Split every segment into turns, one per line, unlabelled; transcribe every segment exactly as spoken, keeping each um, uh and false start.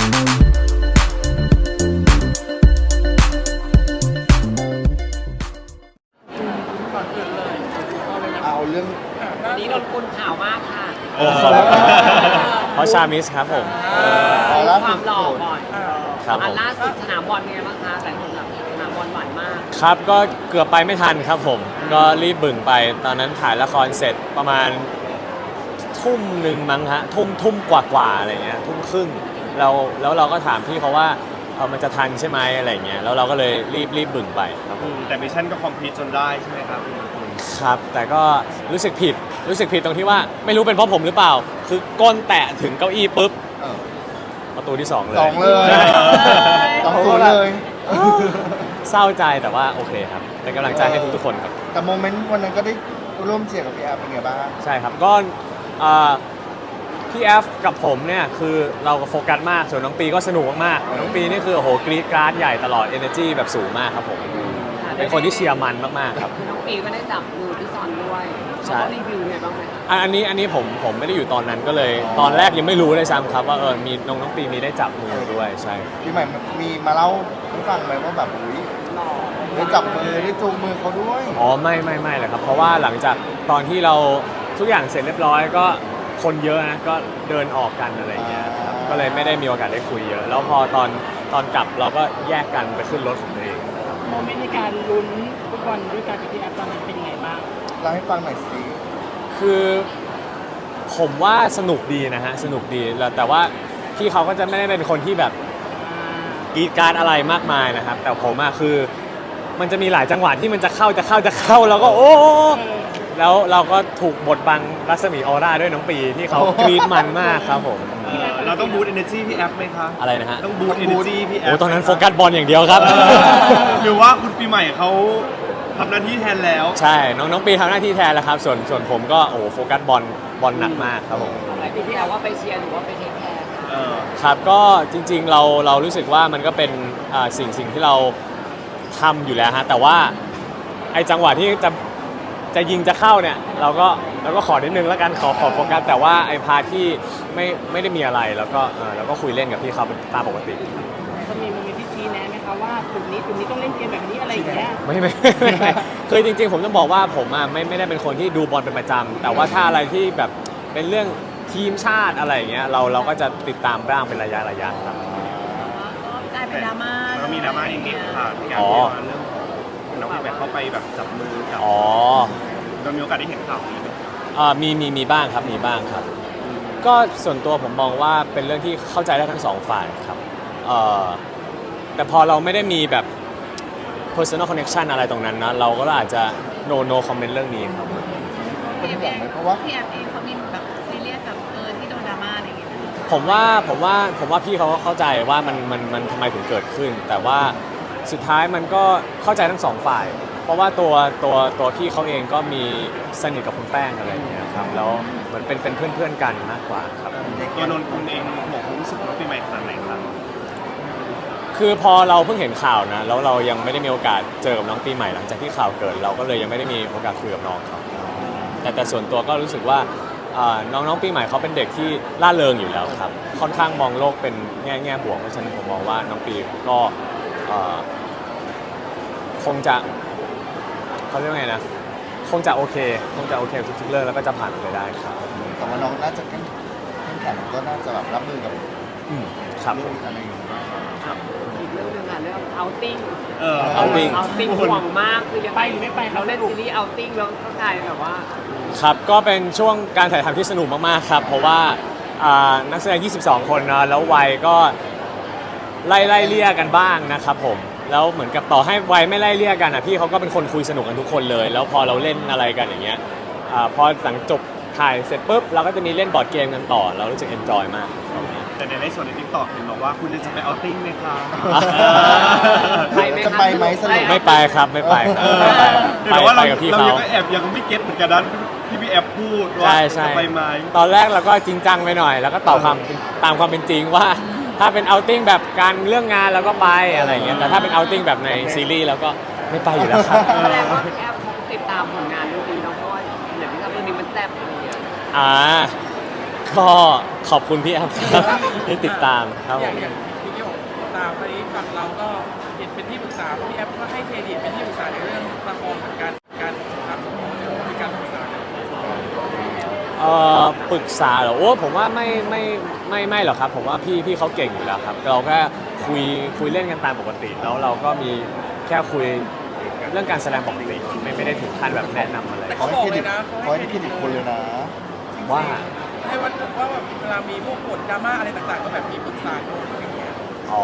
ก่อนอื่นเลย
เอาเรื่อง
วันนี้นนกุลข่าวมากค่ะ
เพราะชามิสครับผม
ความหล่อก่อน
ครับผม
ล่าสุดสนามบอลเป็นไงบ้างคะแต่คนแบบสนามบอลหวานมาก
ครับก็เกือบไปไม่ทันครับผมก็รีบบึ่งไปตอนนั้นถ่ายละครเสร็จประมาณทุ่มหนึ่งมั้งฮะทุ่มทุ่มกว่ากว่าอะไรเงี้ยทุ่มครึ่งเราแล้วเราก็ถามพี่เขาว่าเออมันจะทันใช่ไหมอะไรเงี้ยแล้วเราก็เลยรีบรีบบึ่งไปครับผม
แต่มิชชั่นก็คอมพลีทจนได้ใช่ไหมครับ
ครับแต่ก็รู้สึกผิดรู้สึกผิดตรงที่ว่าไม่รู้เป็นเพราะผมหรือเปล่าคือก้นแตะถึงเก้าอี้ปุ๊บประตูที่สองเลย
สองเลยสองตัวเลย
เศร้าใจแต่ว่าโอเคครับเป็นกำลังใจให้ทุกๆคนครับ
แต่โมเมนต์วันนั้นก็ได้ร่วมเชียร์กับพี่แอฟเป็นไงบ้าง
ใช่ครับก็พี่แอฟกับผมเนี่ยคือเราโฟกัสมากส่วนน้องปีก็สนุกมากน้องปีนี่คือโอ้โหกรี๊ดกราดใหญ่ตลอด energy แบบสูงมากครับผมเป็นคนที่เชียร์มันมากๆครับ
น้องปีก็ได้จับมือพี่ซอนด้วยใช่รีวิวไงบ้างไหม
อันนี้อันนี้ผมผมไม่ได้อยู่ตอนนั้นก็เลยตอนแรกยังไม่รู้เลยซ้ำครับว่าเออมีน้องน้องปีมีได้จับมือด้วยใช่
พี่ใหม่มีมาเล่าให้ฟังไหมว่าแบบอุ้ยได้จับมือได้จูงมือเขาด้วย
อ๋อไม่ไม่ไม่เลยครับเพราะว่าหลังจากตอนที่เราทุกอย่างเสร็จเรียบร้อยก็คนเยอะนะก็เดินออกกันอะไรเงี้ยครับก็เลยไม่ได้มีโอกาสได้คุยเยอะแล้วพอตอนตอนกลับเราก็แยกกันไปขึ้นรถของตัวเอง
โมเมนต์ในการลุ้นฟุตบอลด้วยกันกับพี่แอฟตอนนั้นเป็นยังไงบ้าง
เล่าให้ฟังหน่อยสิ
คือผมว่าสนุกดีนะฮะสนุกดีแล้วแต่ว่าพี่เขาก็จะไม่ได้เป็นคนที่แบบกรีดการอะไรมากมายนะครับแต่ผมอะคือมันจะมีหลายจังหวะที่มันจะเข้าจะเข้าจะเข้าแล้วก็โอ้แล้วเราก็ถูกบดบังรัศมีออร่าด้วยน้องปีที่เขากรีดมันมากครับผม
เราต้องบูตเอเนอร์จีพี่แอฟไหมคะ
อะไรนะฮะ
ต้องบูตเอเนอร์จีพี่แอฟ
โอ้ตอนนั้นโฟกัสบอลอย่างเดียวครับ
หรือว่าคุณปีใหม่เขาทำหน้าที่แทนแล้ว
ใช่น้องน้องปีทำหน้าที่แทนแล้วครับส่วนส่วนผมก็โอ้โฟกัสบอลบอลหนักมากครับผม
อะไรพี่แอฟว่าไปเชียร์หรือว่าไปเทคแคร์
ครับก็จริงๆเราเรารู้สึกว่ามันก็เป็นสิ่งสิ่งที่เราทำอยู่แล้วฮะแต่ว่าไอ้จังหวะที่จะจะยิงจะเข้าเนี่ยเราก็เราก็ขอนิดนึงแล้วกันขอขอโฟกัสแต่ว่าไอ้พาที่ไม่ไม่ได้มีอะไรแล้วก็เราก็คุยเล่นกับพี่เขาตามปกติ
ก็มีมีที่ชี้แนะไหมคะว่าจุดนี้จุดนี้ต้องเล่นเกมแบบนี้อะไรอย่างเงี้ย
ไม่ไม่คือจริงๆผมต้องบอกว่าผมอ่ะไม่ไม่ได้เป็นคนที่ดูบอลเป็นประจำแต่ว่าถ้าอะไรที่แบบเป็นเรื่องทีมชาติอะไรอย่างเงี้ยเราเราก็จะติดตามบ้างเป็นระยะระยะครับ
กลายเป็นดราม่า
ก็มีดราม่าอีกนิดค่ะที่การเรื่องน้องแบบเข้าไปแบบจับมือกับ
อ๋อ
เรามีโอกาสได้เห็นข่าวนี้ไหม
อ่ามีมีมีบ้างครับมีบ้างครับก็ส่วนตัวผมมองว่าเป็นเรื่องที่เข้าใจได้ทั้งสองฝ่ายครับเอ่อแต่พอเราไม่ได้มีแบบ personal connection อะไรตรงนั้นนะเราก็อาจจะ no no comment เรื่องนี้ครับ
เป็นห่วงไหมเพราะว่า
พี่แอฟเองเขามีแบบซีเรียสกับเออที่โดนดราม่าอะไรอย่างเงี้ย
ผมว่าผมว่าผมว่าพี่เขาก็เข้าใจว่ามันมันมันทำไมถึงเกิดขึ้นแต่ว่าสุดท้ายมันก็เข้าใจทั้งสองฝ่ายเพราะว่าตัวตัวตัวพี่เขาเองก็มีสนิทกับคุณแป้งอะไรอย่างเงี้ยครับแล้วเหมือนเป็นเป็นเพื่อนเพื่อนกันมากกว่าครับ
ตัวนนท์คุณเองบอกความรู้สึกว่าปีใหม่ขนาดไหนครับ
คือพอเราเพิ่งเห็นข่าวนะแล้วเรายังไม่ได้มีโอกาสเจอกับน้องปีใหม่หลังจากที่ข่าวเกิดเราก็เลยยังไม่ได้มีโอกาสคุยกับน้องเขาแต่แต่ส่วนตัวก็รู้สึกว่าน้องน้องปีใหม่เขาเป็นเด็กที่ร่าเริงอยู่แล้วครับค่อนข้างมองโลกเป็นแง่แง่บวกเพราะฉะนั้นผมมองว่าน้องปีก็คงจะเขาเรียกว่าไงนะคงจะโอเคคงจะโอเคทุกๆเรื่องแล้วก็จะผ่านไปได้ครับ
แต่ว่าน้องน่าจะเข้มแข็งก็น่าจะแบบรับมือกับ
อืมครับ
อะไรอย่างเงี้ย
อีกเรื่องนึงค่ะเรื่องเอาติ้ง
เออ
เอาติ้ง
เอาติ้งห่วงมากคือยังไปหรือไม่ไปเราเล่นซีรีส์เอาติ้งแล้วเข้าใจแบบว่า
ครับก็เป็นช่วงการถ่ายทำที่สนุกมากๆครับเพราะว่านักแสดงยี่สิบสองคนนะแล้ววัยก็ไล่ไล่เลี่ยกันบ้างนะครับผมแล้วเหมือนกับต่อให้วัยไม่ไล่เลี่ยกันอ่ะพี่เขาก็เป็นคนคุยสนุกกันทุกคนเลยแล้วพอเราเล่นอะไรกันอย่างเงี้ยพอหลังจบถ่ายเสร็จปุ๊บเราก็จะมีเล่นบอร์ดเกมกันต่อเรารู้สึกเอนจอยมาก
แต่ในในส่วนในทิกตอกเห็นบอกว่าคุณจะไปเอาติ้งไหมคะ
จะไปไหมสนุก
ไม่ไปครับไม่ไปครับ
ไปไปกับพี่เขาเรายังแอบยังไม่เก็ตเหมือนกันนั้นที่พี่แอบพูดว่าจะไปไหม
ตอนแรกเราก็จริงจังไปหน่อยแล้วก็ตอบความตามความเป็นจริงว่าถ้าเป็นเอาติ้งแบบการเรื่องงานเราก็ไปอะไรอย่างเงี้ยแต่ถ้าเป็นเอาติ้งแบบในซีรีส์เราก็ไม่ไปอยู่แล้วครับ
แสดงว่าแอปติดตามผลงานเรื่องนี้เนาะเพราะว่าอย่างที่ทำเรื่องนี้มันแซ่บอะไรอย่างเงี้ย
อ่าก็ขอบคุณพี่แอฟครับที่ติดตามครับ
อ
ผ
ย่าง
ม
อย่างพี่โยตามไปฝั่งเราก็เห็นเป็นที่ปรึกษาพี่แอฟก็ให้เครดิตเป็นที่ปรึกษาในเรื่องละครเหมือนกันการทำของเรามีการปรึกษากัน
เอ่อปรึกษาเหรอโอ้ผมว่าไม่ไม่ไม่ไม่หรอกครับผมว่าพี่พี่เขาเก่งอยู่แล้วครับเราแค่คุยคุยเล่นกันตามปกติแล้วเราก็มีแค่คุยเรื่องการแสดงปกติไม่ไม่ได้ถึงขั้นแบบแนะนำอะไร
ขอให้เครดิตขอให้เครดิตคนเลยนะ
ว่า
ให้ว่าว่าแบบเวลามีพวกบทดราม่าอะไรต่างๆ ก็แบบมีปรึกษาโน้ตอย่างเงี้ย
อ๋อ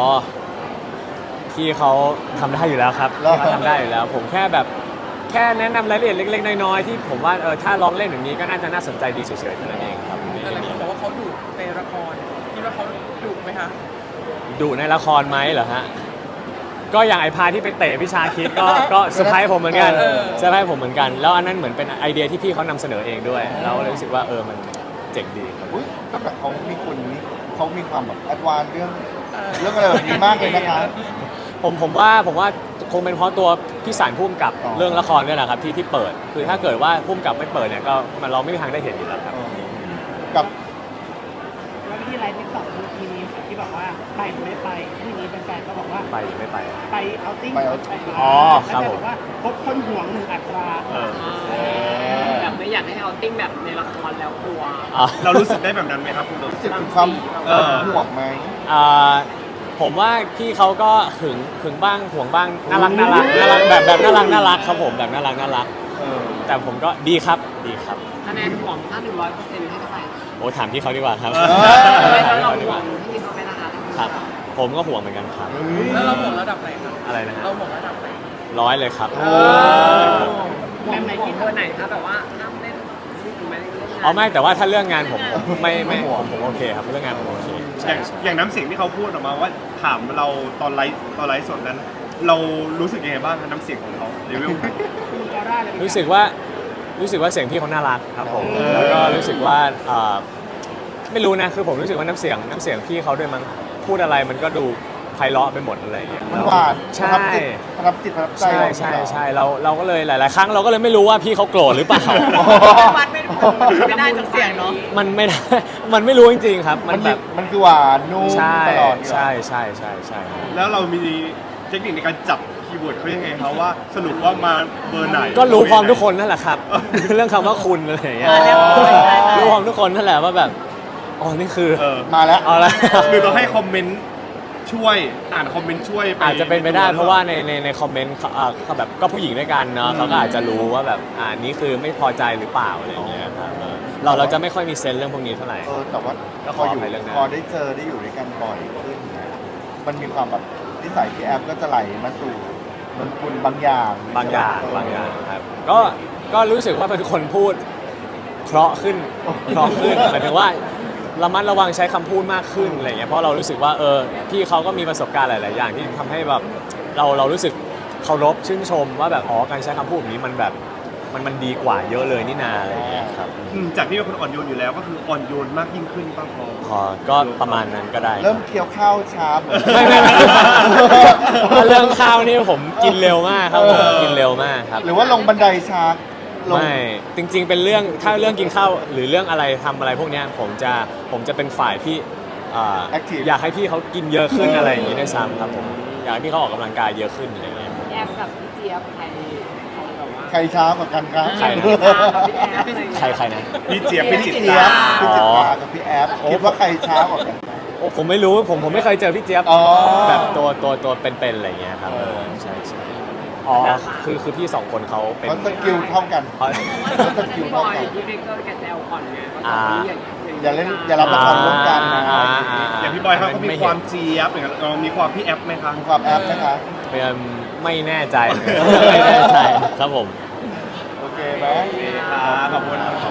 พี่เขาทำได้อยู่แล้วครับ
แล้ว
พี่เขาทำได้อยู่แล้ว ผมแค่แบบแค่แนะนำรายละเอียดเล็กๆน้อยๆที่ผมว่าเออถ้าลองเล่นอย่างนี้ก็น่าจะน่าสนใจดีเฉยๆเท่านั้นเองครับ
แต่หลายคนบอกว่าเขาดุในละครคิดว่าเขาดุไหมคะ
ดูในละครไหมเหรอฮะก็อย่างไอพาที่ไปเตะพิชาคิดก็ก็เซอร์ไพรส์ผมเหมือนกันเซอร์ไพรส์ผมเหมือนกัน แล้วอันนั้นเหมือนเป็นไอเดียที่พี่เขานำเสนอเองด้วยแล้วเลยรู้สึกว่าเออมันเจ๋งดีครับ
อุ้ยก็แบบเขามีคนนี้เขามีความแบบแอดวานซ์เรื่องเรื่องอะไรแบบนี้มากเลยนะคะ
ผมผมว่าผมว่าคงเป็นเพราะตัวพี่สารพุ่มกับ
อ๋อ
เรื่องละครเนี่ยแหละครับที่ที่เปิด คือถ้าเกิดว่าพุ่มกับไม่เปิดเนี่ยก็มันเราไม่มีทางได้เห็นอยู่แล้วครับ
เออกับ
แล้วที่ไลฟ์ติ๊กต็อกทีนี้ที่บอกว่าไปหรือไม่ไปทีนี้แฟนๆก็บอกว่า
ไปหรือไม่ไป
ไปเอาติ้ง
ไปเอา
อ๋อครับผม
แล้วแฟนบอกว่าพบคนห่วงหนึ่งอัตรา
เออ
แบบไม่อยากให้เอาติ้งแบบในละครแล้วกลัว
อ่ะ
เรารู้สึกได้แบบนั้นไหมครับคุณโด
รู้สึกถึงความ
เออ
ห่วงไหม
อ่าผมว่าพี่เขาก็หึงหึงบ้างห่วงบ้างน่ารักน่ารักน่ารักแบบแบบน่ารักน่ารักครับผมแบบน่ารักน่ารัก
เออ
แต่ผมก็ดีครับดีครับ
คะแนนห่วงถ้าหนึ่งร้อยเปอร์เซ็นต์ให้เท่าไหร่
โอ้ถามพี่เขาดีกว่าครับ
เออ
ไม่
ถาม
ถ้า
พี่
เรา
เขาดี
ห่
ก
ว
ว่าง
ที่เขาไม่นะคะ
ครับ ผมก็ห่วงเหมือนกันครับ
แล้วเราห่วงระดับไหนครับ
อะไรนะฮะ
เราห่วงระดับไหน
ร้อยเลยครับ
โอ้
ห่วงไหนที่เธอไหนคะแบบว่าห้ามเล่นถึงแม้เล่นงาน
อ๋อไม่แต่ว่าถ้าเรื่องงานผมผมไม่ไม่ผมผมโอเคครับเรื่องงานผมโอเค
อ
ใช่
ย่าง
ใช่
อย่างน้ำเสียงที่เขาพูดออกมาว่าถามเราตอนไลฟ์ตอนไลฟ์สดนั้น เรารู้สึกยังไงบ้างครับน้ำเสียงของเขาเลเวลไหน
มีออร่าอะไรไหม
รู้สึกว่ารู้สึกว่าเสียงพี่เขาน่ารักครับผมแล้วก็รู้สึกว่าเอ่อไม่รู้นะคือผมรู้สึกว่าน้ำเสียงน้ำเสียงพี่เขาด้วยมั้งพูดอะไรมันก็ดูไพเราะไปหมดอะไรอย่างเงี้ย
มันหวาน
ใช่
ประทับจิตประทับใจ
ใช่ใช่ใช่เราเราก็เลยหลาย ๆ ครั้งเราก็เลยไม่รู้ว่าพี่เขาโกรธหรือเปล่า
วัดไม่ไม่ได้จากเสียงเนาะ
มันไม่ได้ มันไม่รู้จริง ๆ ครับ มั
มัน น
แบ
แบบ บมันคือหวานนุ่ม
ใช่
ตลอด
ใช่ใช่ใช่ใช่ครับ
แล้วเรามีเทคนิคในการจับคีย์เวิร์ดเขายังไงครับว่าสรุปว่ามาเบอร์ไหน
ก็รู้พร้อมทุกคนนั่นแหละครับ เรื่องคำว่าคุณอะไรอย่างเงี้ย
อ๋อ
รู้พร้อมทุกคนนั่นแหละว่าแบบอ๋อนี่คือ
เออ
มาแล้ว
เอาละ
หรือเราให้คอมเมนต์ช่วยอ่านคอมเมนต์ช่วย
อาจจะเป็นไปได้เพราะว่าในในในคอมเมนต์เขาอ่าเขาแบบก็ผู้หญิงด้วยกันเนาะเขาก็อาจจะรู้ว่าแบบอ่านี่คือไม่พอใจหรือเปล่าอะไรอย่างเงี้ยครับเออเราเราจะไม่ค่อยมีเซนส์เรื่องพวกนี้เท่าไหร่
เออแต่ว่า
ก็ข
พ
อ
อ
อ
อยู่
ภัยเรื่องนั้น
พอได้เจอได้อยู่ด้วยกันบ่อยขึ้นเนี่ยมันมีความแบบนิสัยพี่แอฟก็จะไหลมาสู่เหมันคุณบางอย่าง
บางอย่างบางอย่างครับก็ก็รู้สึกว่าเป็นคนพูดเพราะขึ้นเพราะขึ้นหมายถึงว่าระมัดระวังใช้คำพูดมากขึ้นอะไรเงี้ยเพราะเรารู้สึกว่าเออพี่เขาก็มีประสบการณ์หลาย ๆ อย่างที่ทำให้แบบเราเรารู้สึกเคารพชื่นชมว่าแบบอ๋อการใช้คำพูดแบบนี้มันแบบมันมันดีกว่าเยอะเลยนี่นาอะไรเงี้ยครับ
อืมจากที่เป็นคนอ่อนโยนอยู่แล้วก็คืออ่อนโยนมากยิ่งขึ้นป้าพอ
พอก็ประมาณนั้นก็ได้
เริ่มเคี้ยวข้าวช้าเหมือน
ไม่ไม่ไม่ถ้าเรื่องข้าวนี่ผมกินเร็วมากครับผมกินเร็วมากครับ
หรือว่าลงบันไดช้าลง
ไม่จริง ๆ เป็นเรื่องถ้าเรื่องกินข้าวหรือเรื่องอะไรทำอะไรพวกเนี้ยผมจะผมจะเป็นฝ่ายที่อ่า
Active
อยากให้พี่เขากินเยอะขึ้น
เอออ
อะไรอย่างนี้ด้วยซ้ำครับผมอยากให้พี่เขาออกกำลังกายเยอะขึ้นอะไรอย่างเงี้ย
แอมกับพี่เจี๊ยบใครใครแบบว่า
ใครช้ากว่ากันครับ
ใครนะ
พี่แอฟอะไรอย่าง
ใคร
เงี้ย
ใครนะ
พี่เจี๊ยบพี่จิต
เจี๊ย
ตา
บพี่จิตตากับพี่แอฟคิดว่าใครช้ากว่ากัน
โอ้ผมไม่รู้ผมผมไม่เคยเจอพี่เจี๊ยบ
อ๋อ
แบบตัวตัวตัวเป็นๆอะไรอย่างเงี้ยครับ
เออ
ใช่ใช่อ๋อคือคือพี่สองคนเขาเป็น
เขาสกิลเท่ากัน
เขา
เขาสกิล
พี่บ
เท่า
อย
กัน
พี่เบเกอร์แกแซวก่อนไงว่า
อ่า
ตอนนี้อย่าง
อย่าเล่นอย่ารับละครร่วมกันนะ
อ่าอ่า
อย่างพี่บอยเขาก็มีความเจี๊ยบอย่างเงี้ยเรามีความพี่แอฟไหมคะ
มีความแอฟนะคะ
เป็นไม่แน่ใจ ไม่แน่ใจครับผม
โอเคไหม
ขอบคุณครับ